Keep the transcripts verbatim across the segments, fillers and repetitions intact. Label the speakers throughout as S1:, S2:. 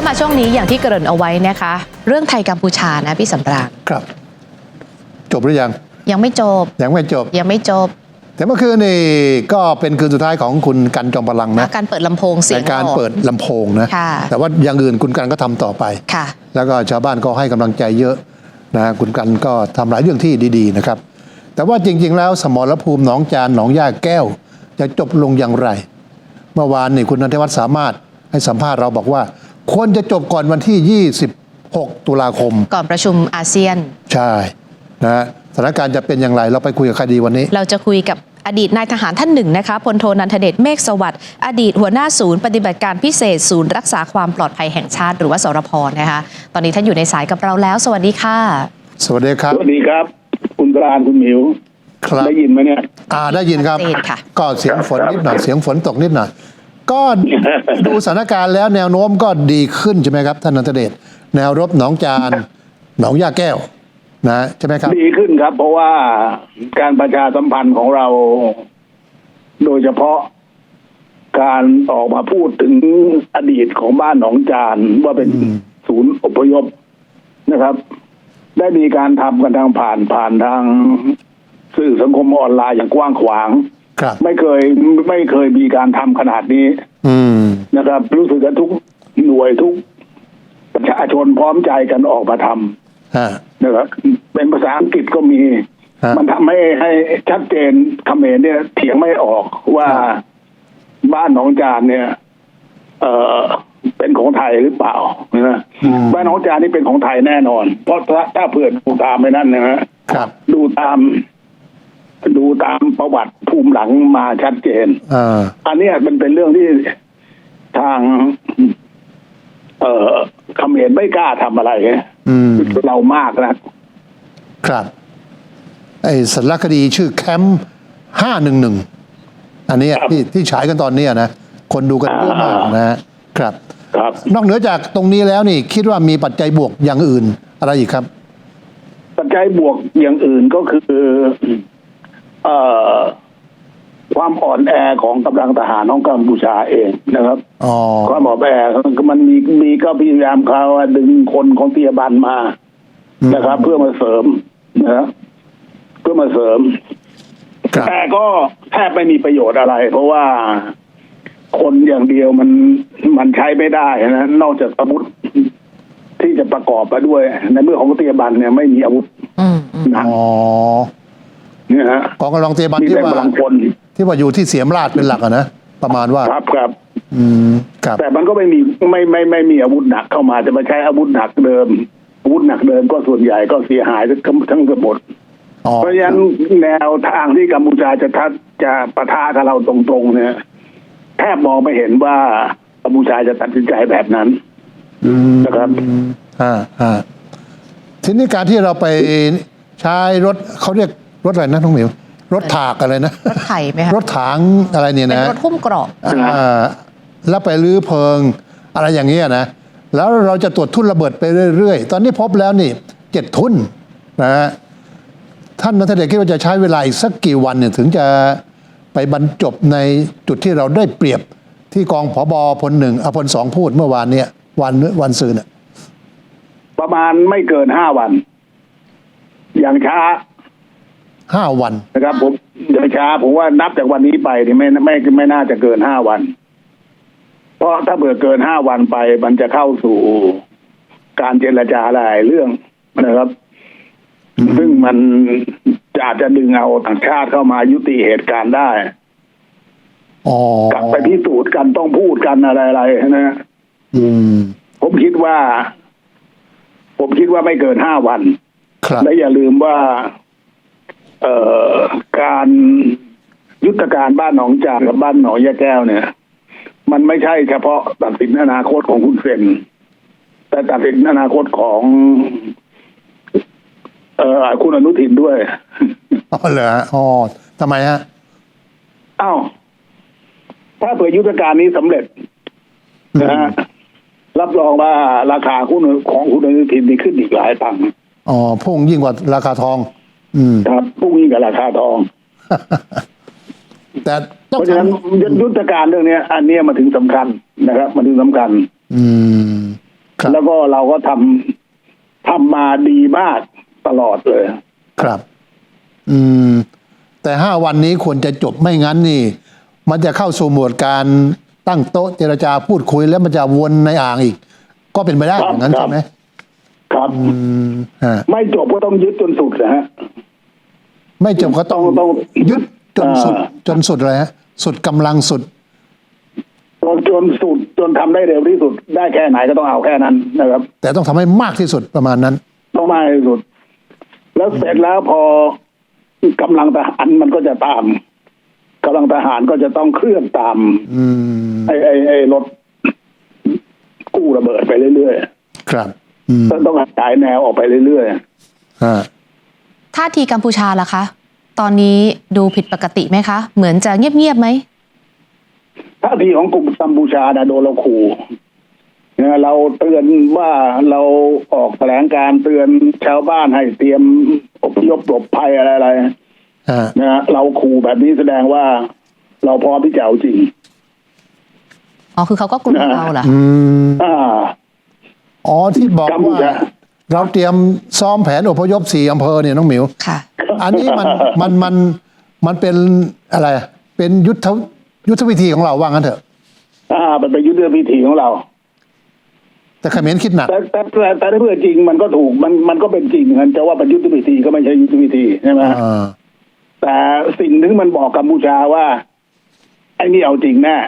S1: มาช่วงนี้อย่างที่เกริ่นเอาไว้นะคะเรื่องไทยกัมพูชานะพี่สำราญ
S2: ครับจบหรือยัง
S1: ยังไม่จบ
S2: ยังไม่จบ
S1: ยังไม่จบ
S2: แต่เมื่อคืนนี่ก็เป็นคืนสุดท้ายของคุณกันจอมพลังนะ
S1: การเปิดลำโพงเสียง
S2: การเปิดลำโพงนะแต่ว่าอย่างอื่นคุณกันก็ทำต่อไปแล้วก็ชาวบ้านก็ให้กำลังใจเยอะนะคุณกันก็ทำหลายเรื่องที่ดีๆนะครับแต่ว่าจริงๆแล้วสมรภูมิหนองจานหนองย่าแก้วจะจบลงอย่างไรเมื่อวานนี่คุณณัฐวัฒน์สามารถให้สัมภาษณ์เราบอกว่าควรจะจบก่อนวันที่ยี่สิบหกตุลาคม
S1: ก่อนประชุมอาเซียน
S2: ใช่นะสถานการณ์จะเป็นอย่างไรเราไปคุยกับใครดีวันนี้
S1: เราจะคุยกับอดีตนายทหารท่านหนึ่งนะคะพลโทนันทเดชเมฆสวัสดิ์อดีตหัวหน้าศูนย์ปฏิบัติการพิเศษศูนย์รักษาความปลอดภัยแห่งชาติหรือว่าสรพนะคะตอนนี้ท่านอยู่ในสายกับเราแล้วสวัสดีค่ะ
S2: สวัสดีครับ
S3: สวัสดีครับคุณปราณคุณหมิวได้ยินไหมเนี่ย
S2: อ่าได้ยินครับก็เสียงฝนนิดหน่อยเสียงฝนตกนิดหน่อยก็ดูสถานการณ์แล้วแนวโน้มก็ดีขึ้นใช่ไหมครับท่านนันทเดชแนวรบหนองจานหนองย่าแก้วนะใช่ไหมครับ
S3: ดีขึ้นครับเพราะว่าการประชาสัมพันธ์ของเราโดยเฉพาะการออกมาพูดถึงอดีตของบ้านหนองจานว่าเป็นศูนย์อพยพนะครับได้มีการทำกันทางผ่านผ่านทางสื่อสังคมออนไลน์อย่างกว้างขวางไม่เคยไม่เคยมีการทำขนาดนี้นะครับรู้สึกว่าทุกหน่วยทุกประชาชนพร้อมใจกันออกมาทำนะครับเป็นภาษาอังกฤษก็มีมันทำให้ให้ชัดเจนเขมรเนี่ยเถียงไม่ออกว่าบ้านหนองจานเนี่ย เออเป็นของไทยหรือเปล่านะบ้านหนองจานนี่เป็นของไทยแน่นอนเพราะถ้าถ้าเผื่อดูตามไปนั่นนะฮะดูตามดูตามประวัติภูมิหลังมาชัดเจนอันนี้มันเป็นเรื่องที่ทาง เอ่อเขมรไม่กล้าทำอะไรเรามากนะครับ
S2: ไอ้สารคดีชื่อแคมป์ห้าหนึ่งหนึ่งอันนี้ที่ที่ฉายกันตอนนี้นะคนดูกันเยอะมากนะครับครับนอกเหนือจากตรงนี้แล้วนี่คิดว่ามีปัจจัยบวกอย่างอื่นอะไรอีกครับ
S3: ปัจจัยบวกอย่างอื่นก็คือเอ่อความอ่อนแอของกำลังทหารของกัมพูชาเองนะครับความอ่อนแอมันมีมีก็พยายามเขาดึงคนของเตียบันมานะครับ เพื่อมาเสริมนะเพื่อมาเสริมแต่ก็แทบไม่มีประโยชน์อะไรเพราะว่าคนอย่างเดียวมันมันใช้ไม่ได้นะนอกจากอาวุธที่จะประกอบไปด้วยในเมื่อของเตียบันเนี่ยไม่มีอาวุธ
S2: นะอ๋อ
S3: เนี่ยฮะ
S2: ของกำลังเตียบันที่ว่าที่ว่าอยู่ที่เสียมราชเป็นหลักอะนะประมาณว่า
S3: ครับครับ
S2: อืมครับ
S3: แต่มันก็ไม่มีไม่ไม่ไม่มีอาวุธหนักเข้ามาจะมาใช้อาวุธหนักเดิมอาวุธหนักเดิมก็ส่วนใหญ่ก็เสียหายทั้งทั้งหมดเพราะฉะนั้นแนวทางที่กัมพูชาจะทัดจะปะทะกับเราตรงๆเนี่ยแทบมองไม่เห็นว่ากัมพูชาจะตัดสินใจแบบนั้นนะครับ
S2: อ่าอ่าทีนี้การที่เราไปใช้รถเขาเรียกรถอะไรนะน้องหมิวรถถากอะไรนะ
S1: รถไถไหมคะ
S2: รถถางอะไรเนี่ยนะ
S1: เป็นรถหุ้มเกราะ
S2: อ่าแล้วไปรื้อเพลิงอะไรอย่างเงี้ยนะแล้วเราจะตรวจทุ่นระเบิดไปเรื่อยๆตอนนี้พบแล้วนี่เจ็ดทุ่นนะฮะท่านนัทเดชคิดว่าจะใช้เวลาอีกสักกี่วันเนี่ยถึงจะไปบรรจบในจุดที่เราได้เปรียบที่กองผบ.พลหนึ่งอพลสองพูดเมื่อวานเนี่ยวันวันซืนเนี่ย
S3: ประมาณไม่เกินห้าวันอย่างช้า
S2: ห้าวัน
S3: นะครับผมอย่างช้าผมว่านับจากวันนี้ไปนี่ไม่ไม่ไม่น่าจะเกินห้าวันเพราะถ้าเบื่อเกินห้าวันไปมันจะเข้าสู่การเจรจาหลายเรื่องนะครับซึ่งมันจะอาจจะดึงเอาต่างชาติเข้ามายุติเหตุการณ์ได้กลับไปพิสูจน์กันต้องพูดกันอะไรๆนะผมคิดว่า ผมคิดว่าไม่เกินห้าวันและอย่าลืมว่า เอ่อการยุทธการบ้านหนองจานกับบ้านหนองยะแก้วเนี่ยมันไม่ใช่เฉพาะตัดสินอนาคตของคุณเซนแต่ตัดสินอนาคตของเอ่อคุณอนุทินด้วย
S2: อ๋อเหรออ๋อทำไมฮะ
S3: อ้าวถ้าเผื่อยุทธการนี้สำเร็จนะฮะรับรองว่าราคาหุ้นของคุณอนุทินนี่ขึ้นอีกหลายตังค์
S2: อ๋อพุ่งยิ่งกว่าราคาทองอืม
S3: ครับพุ่งยิ่งกว่าราคาทอง
S2: แต่
S3: เพราะฉะนั้นยุทธการเรื่องนี้อันนี้มาถึงสำคัญนะครับมาถึงสำคัญ
S2: อืม
S3: แล้วก็เราก็ทำทำมาดีมากตลอดเลย
S2: ครับ อืมแต่ห้าวันนี้ควรจะจบไม่งั้นนี่ มันจะเข้าสู่โหมดการตั้งโต๊ะเจรจาพูดคุยแล้วมันจะวนในอ่างอีก ก็เป็นไปได้อย่างนั้นใช่ไหม
S3: ครับไม่จบก็ต้องยึดจนสุดนะฮะ
S2: ไม่จบก็ต้องต้องยึดจนสุดจนสุดเลยฮะสุดกำลังสุด
S3: จนจนสุดจนทำได้เร็วที่สุดได้แค่ไหนก็ต้องเอาแค่นั้นนะครับ
S2: แต่ต้องทำให้มากที่สุดประมาณนั้น
S3: ต้องมากที่สุดแล้วเสร็จแล้วพอกำลังทหารมันก็จะตามกำลังทหารก็จะต้องเคลื่อนตามไอ้ไอ้ไอ้รถกู้ระเบิดไปเรื่อย
S2: ๆครับ
S3: ต้องขยายแนวออกไปเรื่อย
S1: ๆท่าทีกัมพูชาล่ะคะตอนนี้ดูผิดปกติไหมคะเหมือนจะเงียบๆไหม
S3: ท่าทีของกลุ่มกัมพูชานะโดนเราขู่นะเราเตือนว่าเราออกแถลงการเตือนชาวบ้านให้เตรียมอพยพหลบภัยอะไรๆนะเราขู่แบบนี้แสดงว่าเราพร้อมที่จะเอาจริง
S1: อ๋อคือเขาก็กลัวเราเหรอ
S2: อ่าอ๋อที่บอกว่าเราเตรียมซ้อมแผนอพยพสี่อำเภอเนี่ยน้องหมิว
S1: ค่ะ
S2: อันนี้มันมันมันมันเป็นอะไรเป็นยุทธยุทธวิธีของเราว่างั้นเถอะ
S3: อ่ามันเป็นยุทธวิธีของเรา
S2: แต่เขมรคิดหนัก
S3: แต่แต่แต่แต่ถ้าเพื่อจริงมันก็ถูกมันมันก็เป็นจริงเหมือนกันจะว่าเป็นยุทธวิธีก็ไม่ใช่ยุทธวิธีใช่ไหมแต่สิ่งนึงมันบอกกัมพูชาว่าไอ้นี่เอาจริงแน่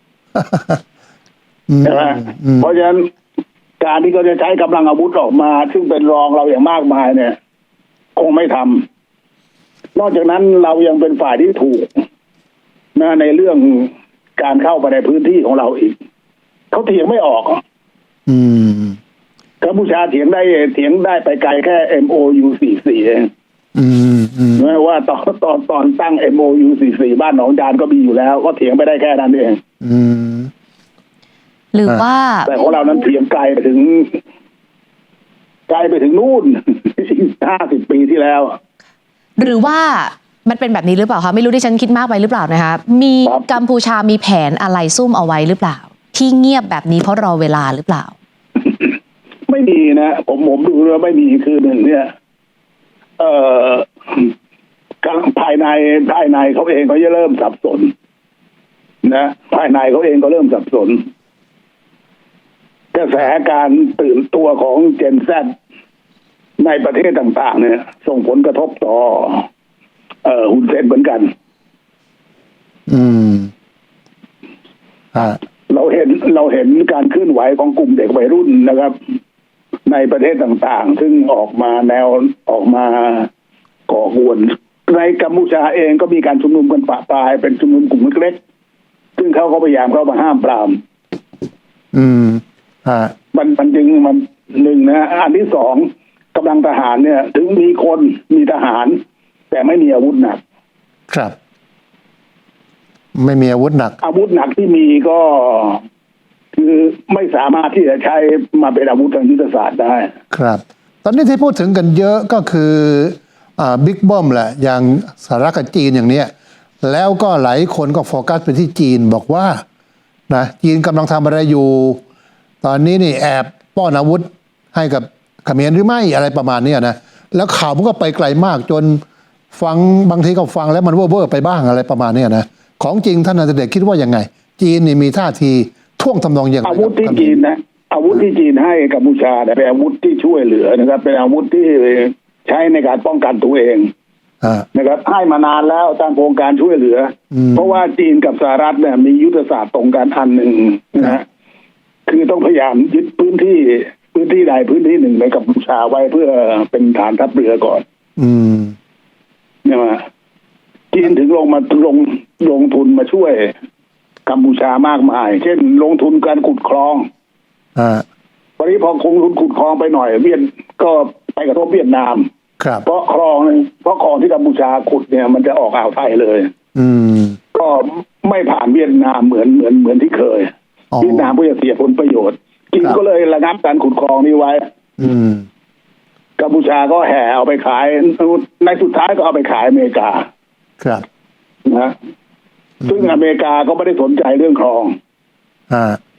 S3: ใช่ไหมเพราะฉะนั้นการที่เขาจะใช้กำลังอาวุธออกมาซึ่งเป็นรองเราอย่างมากมายเนี่ยคงไม่ทำนอกจากนั้นเรายังเป็นฝ่ายที่ถูกนะในเรื่องการเข้าไปในพื้นที่ของเราอีกเขาเถียงไม่ออก
S2: อืม
S3: กัมพูชาเถียงได้เถียงได้ไปไกลแค่ เอ็ม โอ ยู สี่สิบสี่ เอง
S2: อืมอืม
S3: ไม่ว่าตอนตอนตอนตั้ง เอ็ม โอ ยู สี่สิบสี่ บ้านหนองจานก็มีอยู่แล้วก็เถียงไปได้แค่นั้นเอง
S2: อืม
S1: หรือว่า
S3: แต่ของเรานั้นเถียงไกลไปถึงไกลไปถึงนู่นห้าสิบปีที่แล้ว
S1: หรือว่ามันเป็นแบบนี้หรือเปล่าคะไม่รู้ที่ฉันคิดมากไปหรือเปล่านะคะมีกัมพูชามีแผนอะไรซุ่มเอาไว้หรือเปล่าที่เงียบแบบนี้เพราะรอเวลาหรือเปล่า
S3: ไม่มีนะผมผมดูแล้วไม่มีคือหนึ่งเนี่ยเอ่อภายในภายในเขาเองเขาจะเริ่มสับสนนะภายในเขาเองก็เริ่มสับสนกระแสการตื่นตัวของเจนแซดในประเทศต่างๆเนี่ยส่งผลกระทบต่อเอ่อฮุนเซนเหมือนกัน
S2: อืมอ่า
S3: เราเห็นเราเห็นการเคลื่อนไหวของกลุ่มเด็กวัยรุ่นนะครับ ในประเทศต่างๆซึ่งออกมาแนวออกมาก่อกวนในกัมพูชาเองก็มีการชุมนุมกันปะปลายเป็นชุมนุมกลุ่มเล็กๆซึ่งเขาก็พยายามเข้ามาห้ามปราม
S2: อืมอ่า
S3: มันมันจึงมันหนึ่งนะอันที่สองกำลังทหารเนี่ยถึงมีคนมีทหารแต่ไม่มีอาวุธหนัก
S2: ครับไม่มีอาวุธหนัก
S3: อาวุธหนักที่มีก็คือไม่สามารถที่จะใช้มาเป็นอาวุธทางยุทธศาสตร์ได้
S2: ครับตอนนี้ที่พูดถึงกันเยอะก็คืออ่าบิ๊กบ้อมแหละอย่างสหรัฐกับจีนอย่างเนี้ยแล้วก็หลายคนก็โฟกัสไปที่จีนบอกว่านะจีนกำลังทำอะไรอยู่ตอนนี้นี่แอบป้อนอาวุธให้กับเขมรหรือไม่อะไรประมาณนี้นะแล้วข่าวมันก็ไปไกลมากจนฟังบางทีก็ฟังแล้วมันเว่อร์ไปบ้างอะไรประมาณนี้นะของจริงท่านนายเดชคิดว่ายังไงจีนนี่มีท่าทีท่วงทำนองอย่างไร
S3: อาวุธที่จีนนะอาวุธที่จีนให้กัมพูชาเนี่ยเป็นอาวุธที่ช่วยเหลือนะครับเป็นอาวุธที่ใช้ในการป้องกันตัวเองนะครับให้มานานแล้วตามโครงการช่วยเหลือเพราะว่าจีนกับสหรัฐเนี่ยมียุทธศาสตร์ตรงกันอันหนึ่งนะคือต้องพยายามยึดพื้นที่พื้นที่ใดพื้นที่หนึ่งในกัมพูชาไว้เพื่อเป็นฐานทัพเรือก่อน
S2: อืม
S3: เนี่ยมาจีนถึงลงมาลงลงทุนมาช่วยกัมพูชามากมายเช่นลงทุนการขุดคลอง
S2: อ่า
S3: ตอนนี้พอคงทุนขุดคลองไปหน่อยเวียดก็ไปกระทบเวียดนาม
S2: ครับ
S3: เพราะคลองเพราะคลองที่กัมพูชาขุดเนี่ยมันจะออกอ่าวไทยเลย
S2: อืม
S3: ก็ไม่ผ่านเวียดนามเหมือนเหมือนเหมือนที่เคยเวียดนามก็จะเสียผลประโยชน์จีนก็เลยระงับการขุดคลองนี้ไว้
S2: อืม
S3: กัมพูชาก็แห่เอาไปขายในสุดท้ายก็เอาไปขายอเมริกา
S2: ครับ
S3: นะซึ่งอเมริกาก็ไม่ได้สนใจเรื่องคลอง
S2: อ่า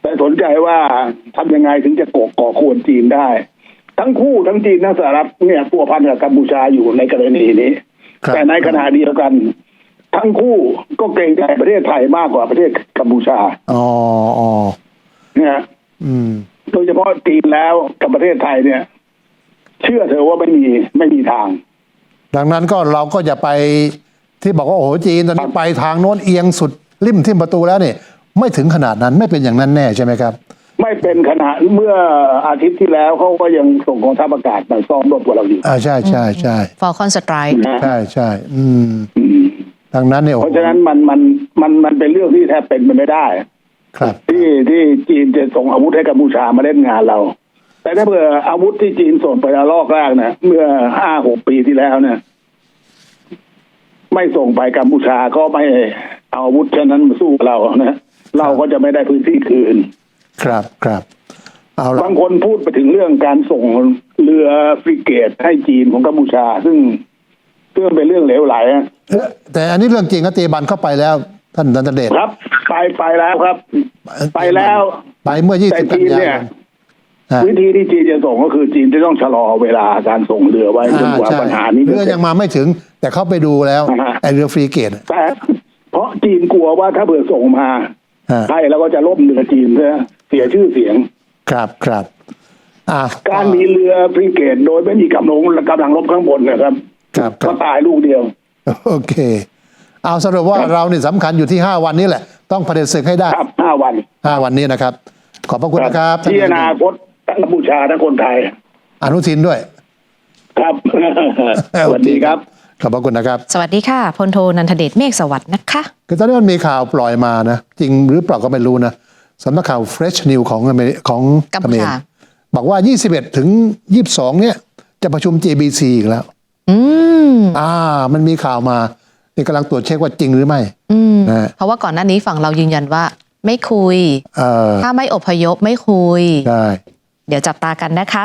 S3: แต่สนใจว่าทำยังไงถึงจะก่อก่อควรจีนได้ ทั้งคู่ทั้งจีนทั้งสหรัฐเนี่ยพัวพันกับกัมพูชาอยู่ในกรณีนี้แต่ในขณะเดียวกัน ทั้งคู่ก็เกรงใจประเทศไทยมากกว่าประเทศกัมพูชา
S2: อ๋ออ๋อ
S3: เนี่ย
S2: อืม
S3: โดยเฉพาะจีนแล้วกับประเทศไทยเนี่ย เชื่อเถอะว่าไม่มีไม่มีทาง
S2: ดังนั้นก็เราก็อย่าไปที่บอกว่าโอ้โหจีนตอนนี้ไปทางโน้นเอียงสุดริมทิ่มประตูแล้วเนี่ยไม่ถึงขนาดนั้นไม่เป็นอย่างนั้นแน่ใช่ไหมครับ
S3: ไม่เป็นขนาดเมื่ออาทิตย์ที่แล้วเขาก็ยังส่งกองทัพอากาศมาซ้อมรบกับเราอยู่
S2: อ่าใช่ใช่ใช่
S1: Falcon Strike
S3: นะ
S2: ใช่ใช่อืม
S3: อืม
S2: ดังนั้นเนี่ยโอ้
S3: เพ
S2: โห
S3: ราะฉะนั้นมันมันมันมันเป็นเรื่องที่แทบเป็นไปไม่ได้
S2: ครับ
S3: ที่ที่จีนจะส่งอาวุธให้กัมพูชามาเล่นงานเรา แต่ถ้าเผื่ออาวุธที่จีนส่งไประลอกแรกนะเมื่อห้าหกปีที่แล้วเนี่ยไม่ส่งไปกัมพูชาก็ไม่เอาอาวุธเช่นนั้นมาสู้กับเรานะเราก็จะไม่ได้พื้นที่คืน
S2: ครับครับเอาละ
S3: บางคนพูดไปถึงเรื่องการส่งเรือฟริเกตให้จีนของกัมพูชา ซึ่งซึ่งเป็นเรื่องเหลวไหลอะ
S2: เอ๊ะแต่อันนี้เรื่องจริงนะเตบันเข้าไปแล้วท่านนันทเดช
S3: ครับ ไปไปแล้วครับ ไปแล้ว
S2: ไปเมื่อยี่
S3: แต่
S2: สิบกัน
S3: จีน
S2: ยา
S3: เนี่ย
S2: ยนฮะ
S3: วิธีที่จีนจะส่งก็คือจีนจะต้องชะลอเวลาการส่งเรือไว้จน
S2: อ่าก
S3: ว่า
S2: ใช่
S3: ปัญหานี้
S2: เรือยังมาไม่ถึง แต่เขาไปดูแล้ว
S3: อ่าฮะ
S2: ไอเรือฟรีเกตอะ
S3: แต่เพราะจีนกลัวว่าถ้าเผื่อส่งมา
S2: ฮะ
S3: ไทยแล้วก็จะล่มเรือจีนเสียเสียชื่อเสียง
S2: ครับครับอ่า
S3: การมีเรือฟริเกตโดยไม่มีกำลังกำลังรบข้างบนนะครับ
S2: ครับค
S3: ก็
S2: รับ
S3: ตายลูกเดียว
S2: โอเค เอาสรุปว่าเราเนี่ยสำคัญอยู่ที่ห้าวันนี้แหละ ต้องเผด็จศึกให้ได้
S3: ครับห้าวัน
S2: ห้าวันนี้นะครับ ขอบพระคุณนะครับท่าน
S3: ที่อนาคตทั้งกัมพูชาทั้งคนไทย
S2: อนุทินด้วย
S3: ครับ สวัสดีครับ
S2: ขอบพระคุณนะครับ
S1: สวัสดีค่ะพลโทนันทเดชเมฆสวัสดิ์นะคะ
S2: คือตอนนี้มันมีข่าวปล่อยมานะ จริงหรือเปล่าก็ไม่รู้นะสำนักข่าว Fresh News ของอเมริของ
S1: กัม
S2: เข
S1: พู
S2: มร
S1: ชา
S2: บอกว่า ยี่สิบเอ็ด ถึง ยี่สิบสอง เนี่ยจะประชุม เจ บี ซี อีกแล้ว
S1: อืม
S2: อ่า มันมีข่าวมานี่กำลังตรวจเช็คว่าจริงหรือไม่
S1: อืม
S2: นะฮะ
S1: เพราะว่าก่อนหน้านี้ฝั่งเรายืนยันว่าไม่คุย
S2: เออ
S1: ถ้าไม่อพยพไม่คุย
S2: ได้
S1: เดี๋ยวจับตากันนะคะ